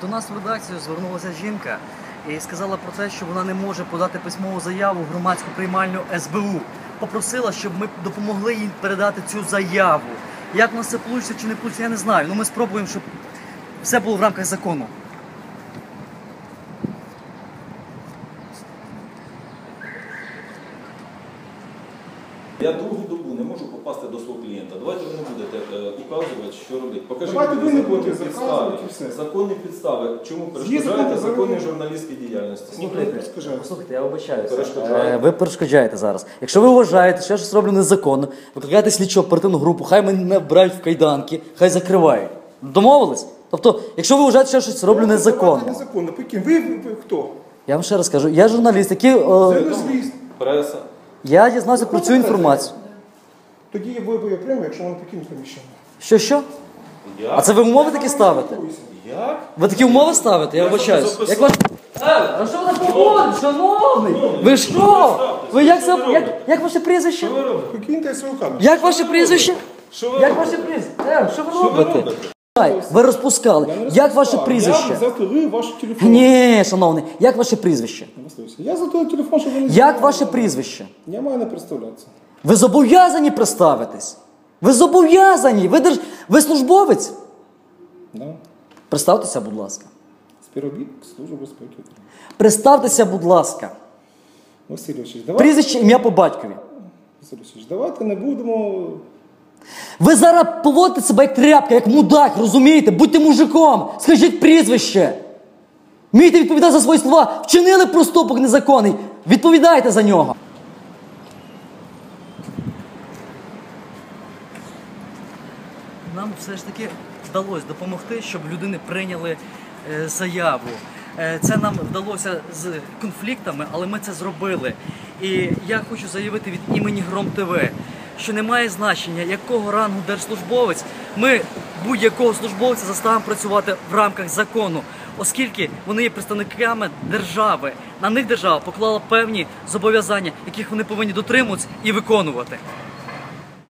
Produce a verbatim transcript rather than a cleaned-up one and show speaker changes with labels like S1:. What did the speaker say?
S1: До нас в редакцію звернулася жінка і сказала про те, що вона не може подати письмову заяву в громадську приймальню ес бе у. Попросила, щоб ми допомогли їй передати цю заяву. Як у нас це вийде чи не вийде, я не знаю. Ну ми спробуємо, щоб все було в рамках закону.
S2: Я другу добу не можу попасти до свого клієнта. Давайте ви не будете е, указувати, що робити. Покажіть
S3: Давайте ви не будете
S2: законні
S3: заказувати і
S2: підстави.
S3: все.
S2: Законні підстави. Чому
S3: Є
S2: перешкоджаєте
S3: закони,
S2: законній
S3: закони.
S2: журналістській діяльності?
S3: Слухайте,
S1: Послухайте, я вибачаюся.
S2: Перешкоджаєте.
S1: Е, Ви перешкоджаєте зараз. Якщо ви вважаєте, що я щось роблю незаконно, викликайте слідчу оперативну групу, хай мене вбирають в кайданки, хай закривають. Домовились? Тобто, якщо ви вважаєте, що я щось роблю незаконно.
S3: Незаконно. Покинь. Ви, ви, ви хто?
S1: Я вам ще раз кажу, я журналіст, який... е,
S3: Журналіст.
S2: Преса.
S1: Я дізнався про цю інформацію.
S3: Тоді ви ви окремо, якщо вони покинуть приміщення.
S1: Що, що?
S2: Я?
S1: А це ви умови такі ставите?
S2: Як?
S1: Ви такі умови ставите? Я вибачаюсь.
S2: записав.
S1: Як ваш... Е, а що ви так походите, шановний? Ви що? Ви як, це... як, як ваше прізвище?
S2: Що ви робите?
S3: Покиньте свою камеру.
S1: Як ваше прізвище?
S2: Що ви
S1: Як
S2: робите?
S1: ваше прізвище? Е, що ви
S2: Що ви
S1: робите?
S2: робите?
S1: Ай, ви розпускали. Як ваше прізвище?
S3: Я затулив ваш телефон.
S1: Ні, шановний, як ваше прізвище?
S3: Я затулив телефон, щоб ви не
S1: Як ваше прізвище?
S3: Я маю не представлятися.
S1: Ви зобов'язані представитись. Ви зобов'язані. Ви, держ... ви службовець.
S3: Да.
S1: Представтеся, будь ласка.
S3: Співробітник Служби безпеки.
S1: Представтеся, будь ласка.
S3: Василь Васильович, давайте,
S1: Прізвище, ім'я по батькові.
S3: Василь Васильович, давайте не будемо...
S1: Ви зараз поводите себе як тряпка, як мудак, розумієте? Будьте мужиком, скажіть прізвище. Вмійте відповідати за свої слова. Вчинили проступок незаконний. Відповідайте за нього. Нам все ж таки вдалося допомогти, щоб людини прийняли е, заяву. Е, це нам вдалося з конфліктами, але ми це зробили. І я хочу заявити від імені Гром ТВ, що немає значення, якого рангу держслужбовець, ми будь-якого службовця заставимо працювати в рамках закону, оскільки вони є представниками держави. На них держава поклала певні зобов'язання, яких вони повинні дотримуватися і виконувати.